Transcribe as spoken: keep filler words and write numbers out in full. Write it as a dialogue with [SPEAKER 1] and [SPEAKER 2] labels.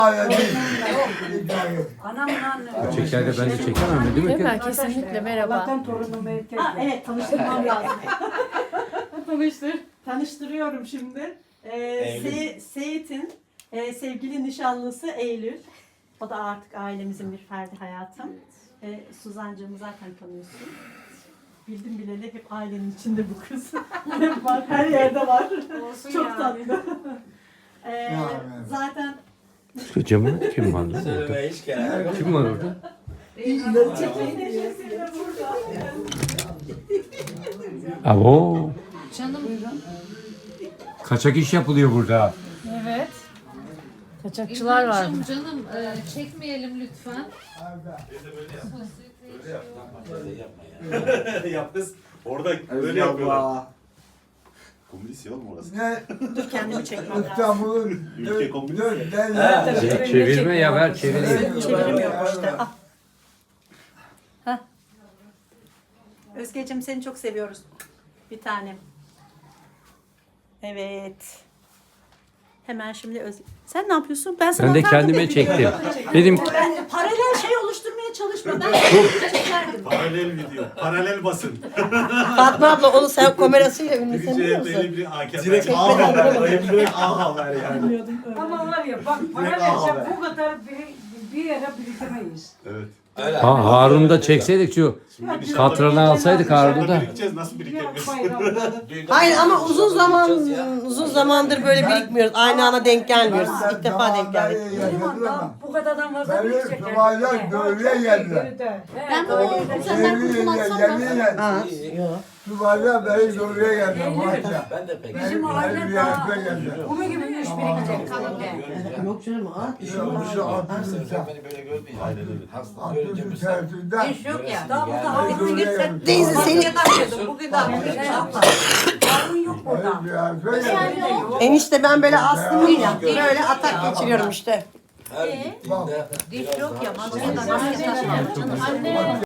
[SPEAKER 1] Anamın anne.
[SPEAKER 2] Çeker de ben de çekemem değil mi?
[SPEAKER 3] Değil mi? Kesinlikle merhaba.
[SPEAKER 1] Allah'tan torunumu erkek.
[SPEAKER 4] Ha, evet tanıştırmam lazım.
[SPEAKER 3] Tanıştır.
[SPEAKER 4] Tanıştırıyorum şimdi. Ee, Se- Seyit'in e, sevgili nişanlısı Eylül. O da artık ailemizin bir ferdi hayatım. Ee, Suzancığımı zaten tanıyorsun. Bildim bileli hep ailenin içinde bu kız. Hep var, her yerde var.
[SPEAKER 1] Olsun
[SPEAKER 4] Çok
[SPEAKER 1] ya.
[SPEAKER 4] tatlı. Ee, zaten
[SPEAKER 2] Şu camı kim var lan?
[SPEAKER 5] Söylemeye hiç gerek yok.
[SPEAKER 2] Kim var orada?
[SPEAKER 4] çiftliğin neşesiyle burada.
[SPEAKER 2] Abo.
[SPEAKER 3] Canım.
[SPEAKER 2] Kaçak iş yapılıyor burada.
[SPEAKER 3] Evet. Kaçakçılar var.
[SPEAKER 6] İlhancığım, canım e, çekmeyelim lütfen.
[SPEAKER 5] Yap kız. Orada öyle
[SPEAKER 7] Öyle
[SPEAKER 5] yapıyorlar. Komünist ya oğlum orası.
[SPEAKER 7] Ne?
[SPEAKER 4] Dur kendimi çekmem lazım.
[SPEAKER 7] İstanbul'un
[SPEAKER 5] Ülke komünist.
[SPEAKER 7] dört devlet.
[SPEAKER 2] Çevirme ya ver çevireyim.
[SPEAKER 4] Çeviremiyorum işte. Ah. Hah. Özgeciğim seni çok seviyoruz. Bir tanem. Evet. Hemen şimdi Özge. Sen ne yapıyorsun? Ben sana
[SPEAKER 2] Ben de
[SPEAKER 4] atardım
[SPEAKER 2] kendime
[SPEAKER 4] ya
[SPEAKER 2] çektim.
[SPEAKER 4] video.
[SPEAKER 2] Dedim
[SPEAKER 4] Ben de paralel şey oluşturmaya çalışma. Ben çekerdim.
[SPEAKER 5] Paralel video. Paralel basın.
[SPEAKER 8] Fatma abla onu sen kamerasıyla ünlü sen
[SPEAKER 5] Birinci
[SPEAKER 8] biliyor
[SPEAKER 5] elde
[SPEAKER 8] musun?
[SPEAKER 5] eli bir A K P.
[SPEAKER 7] Direkt A haber. Direkt A haber yani.
[SPEAKER 1] Ama var ya bak para
[SPEAKER 7] Direkt
[SPEAKER 1] verse
[SPEAKER 7] ağabey.
[SPEAKER 1] bu kadar bir, bir yere birikemeyiz.
[SPEAKER 5] Evet.
[SPEAKER 2] ha, Harun'u da çekseydik şu katranı alsaydık Harun'u da.
[SPEAKER 5] Birikeceğiz nasıl birikemeyiz?
[SPEAKER 1] Bayramda.
[SPEAKER 8] Hayır ama uzun zaman uzun zamandır böyle birikmiyoruz. Aynı ana denk gelmiyoruz. İlk defa denk geldik.
[SPEAKER 1] Benim daha bu kadardan fazla
[SPEAKER 7] Benim
[SPEAKER 1] birikecek.
[SPEAKER 7] Subahlar Gölü'ye geldiler.
[SPEAKER 6] Ben böyle güzelden kurtulansam da.
[SPEAKER 7] Yeminle
[SPEAKER 8] Ha, yok.
[SPEAKER 7] Subahlar beni Gölü'ye geldiler. Maşallah.
[SPEAKER 5] Ben de pek.
[SPEAKER 1] Bizim aile daha bunu gibi üç birikecek kalınca.
[SPEAKER 8] Yok canım ha.
[SPEAKER 7] Şu altının
[SPEAKER 5] Beni böyle görmeyin. Aynen öyle. Hasta.
[SPEAKER 7] altının tersinden.
[SPEAKER 1] İş yok ya. Daha burada Harun girse.
[SPEAKER 8] Teyze seni
[SPEAKER 1] Bugün daha bugün şey yapma. Harun yok burada.
[SPEAKER 8] enişte ben böyle astım ya. Böyle atak geçiriyorum işte.
[SPEAKER 6] Diş yok ya. Maske maske takma.